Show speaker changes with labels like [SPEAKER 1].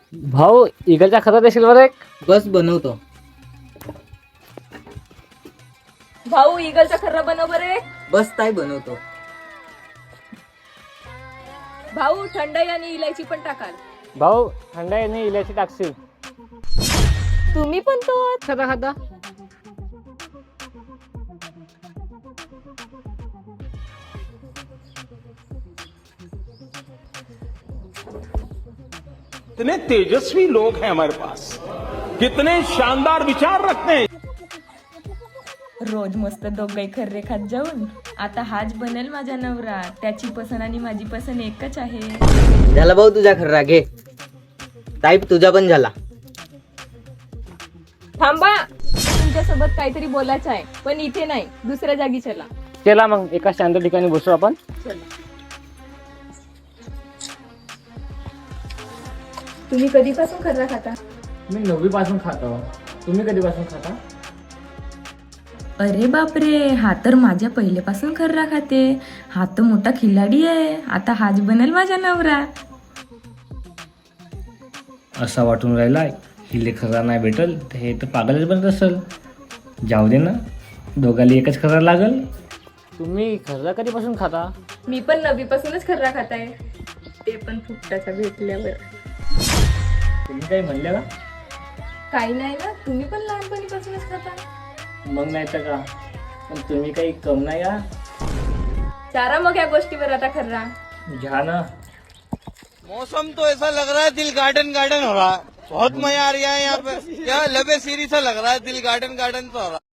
[SPEAKER 1] भाऊ इगलच्या खतात देशील बरं एक.
[SPEAKER 2] बस बनवतो.
[SPEAKER 3] भाऊ इगलचा खर्रा बनव बरे.
[SPEAKER 2] बस ताई बनवतो.
[SPEAKER 3] भाऊ थंडाई आणि इलायची पण टाकाल.
[SPEAKER 1] भाऊ थंडाईने इलायची टाकशील.
[SPEAKER 3] तुम्ही पण तो
[SPEAKER 1] खाता खाता
[SPEAKER 4] कितने तेजस्वी लोग हैं हमारे पास, कितने शानदार विचार रखते हैं.
[SPEAKER 3] रोज मस्त दोघही खर्रे खात जाऊन आता हाच बनेल माझा नवरा. त्याची पसंत आणि माझी पसंत एकच आहे.
[SPEAKER 2] झाला भाऊ तुझा खर्रा घे. ताई तुझा पण झाला.
[SPEAKER 3] थांबा, तुमच्यासोबत काहीतरी बोलायचं आहे, पण इथे नाही, दुसऱ्या जागी चला.
[SPEAKER 1] चला मग एका शांत ठिकाणी बसू आपण.
[SPEAKER 3] तुम्ही कधीपासून खर्रा खाता?
[SPEAKER 1] मी 9वी पासून खातो. तुम्ही कधीपासून खाता?
[SPEAKER 3] अरे बापरे, हा तर माझ्या पहिल्यापासून खर्रा खाते. हा तर मोठा खिलाडी आहे. आता हाच बनेल माझा नवरा.
[SPEAKER 1] असा वाटून राहिलाय हिले खरा नाही भेटल तर हे तर पागलच बनत असेल. जाऊ दे ना, दोघाला एकच खरा लागल. तुम्ही खर्रा कधीपासून खाता?
[SPEAKER 3] मी पण 9वी पासूनच खर्रा खाताय, ते पण फुकटाचा भेटल्यावर.
[SPEAKER 1] तुम्ही काही म्हणले का?
[SPEAKER 3] काही नाही ना, तुम्ही पण लहानपणीपासूनच खाता.
[SPEAKER 1] मग नाही तर का, पण तुम्ही काही कम नाही का?
[SPEAKER 3] चारा मग या गोष्टीवर आता खर्रा.
[SPEAKER 1] घ्या ना.
[SPEAKER 5] मौसम तो ऐसा लग रहा है दिल गार्डन गार्डन हो रहा है. बहुत मजा आ रहा है यहाँ पे. यहाँ लबे सीरी सा लग रहा है, दिल गार्डन गार्डन सा हो रहा है.